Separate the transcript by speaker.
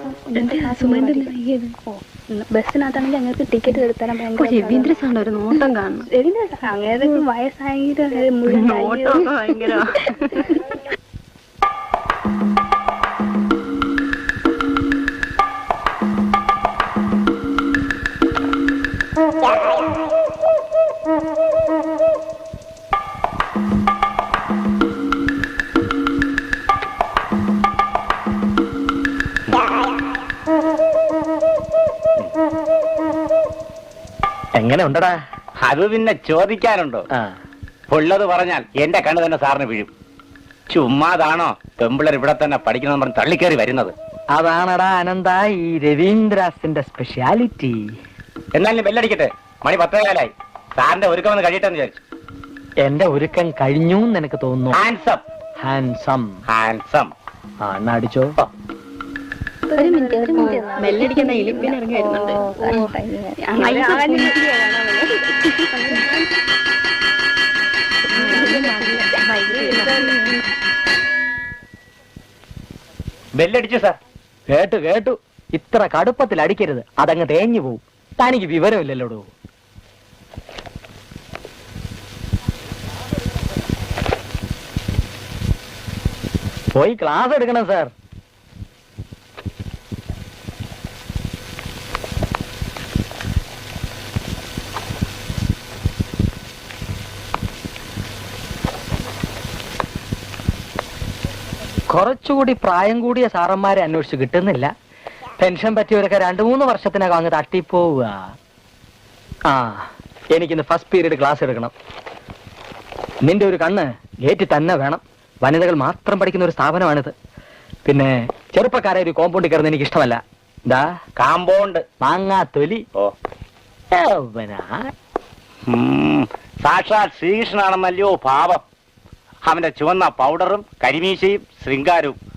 Speaker 1: ബസ്സിനകത്താണെങ്കിൽ ഞങ്ങൾക്ക് ടിക്കറ്റ് എടുത്താലും
Speaker 2: രവീന്ദ്ര സാറിന്റെ ഒരു നോട്ടം കാണണം.
Speaker 1: അങ്ങനെ വയസ്സായെങ്കിലും മുഴുവൻ
Speaker 2: ഭയങ്കര
Speaker 3: എങ്ങനെ ഉണ്ടടാ?
Speaker 4: അത് പിന്നെ ചോദിക്കാനുണ്ടോ? ഉള്ളത് പറഞ്ഞാൽ എന്റെ കണ്ണ് തന്നെ സാറിന് വീഴും. ചുമ്മാതാണോ പെമ്പിളർ ഇവിടെ തന്നെ പഠിക്കണമെന്ന് പറഞ്ഞ് തള്ളിക്കേറി വരുന്നത്?
Speaker 3: അതാണടാ അനന്ത ഈ രവീന്ദ്രാസിന്റെ സ്പെഷ്യാലിറ്റി.
Speaker 4: എന്നാലും ബെല്ലടിക്കട്ടെ, മണി 10:15. സാറിന്റെ ഒരുക്കം ഒന്ന് കഴിയട്ടെന്ന് വിചാരിച്ചു.
Speaker 3: എന്റെ ഒരുക്കം കഴിഞ്ഞു എനിക്ക് തോന്നുന്നു.
Speaker 4: Handsome
Speaker 3: handsome
Speaker 4: handsome.
Speaker 3: ആ എന്നാ അടിച്ചോ.
Speaker 2: മെല്ലടിക്കുന്ന ഇലിപ്പിന് ഇറങ്ങി വരുന്നുണ്ട്.
Speaker 4: ബെല്ലടിച്ചു സാർ.
Speaker 3: കേട്ടു കേട്ടു. ഇത്ര കടുപ്പത്തിൽ അടിക്കരുത്, അതങ്ങ് തേഞ്ഞു പോവും. തനിക്ക് വിവരമില്ലല്ലോടോ. പോയി ക്ലാസ് എടുക്കണം സാർ. കുറച്ചുകൂടി പ്രായം കൂടിയ സാറന്മാരെ അന്വേഷിച്ച് കിട്ടുന്നില്ല. പെൻഷൻ പറ്റിയവരൊക്കെ 2-3 വർഷത്തിനകം അങ്ങ് തട്ടിപ്പോവുക. ആ എനിക്കിന്ന് ഫസ്റ്റ് പീരീഡ് ക്ലാസ് എടുക്കണം. നിന്റെ ഒരു കണ്ണ് ഗേറ്റിൽ തന്നെ വേണം. വനിതകൾ മാത്രം പഠിക്കുന്ന ഒരു സ്ഥാപനമാണിത്. പിന്നെ ചെറുപ്പക്കാരെ ഒരു കോമ്പൗണ്ടിൽ കയറുന്ന എനിക്ക് ഇഷ്ടമല്ല. എന്താ
Speaker 4: കാമ്പൗണ്ട്
Speaker 3: മാങ്ങാ തൊലി.
Speaker 4: ഓ സാക്ഷാൽ ശ്രീകൃഷ്ണനാണെന്നല്ലയോ ഭാവം. അവന്റെ ചുവന്ന പൗഡറും കരിമീശയും ശൃംഗാരവും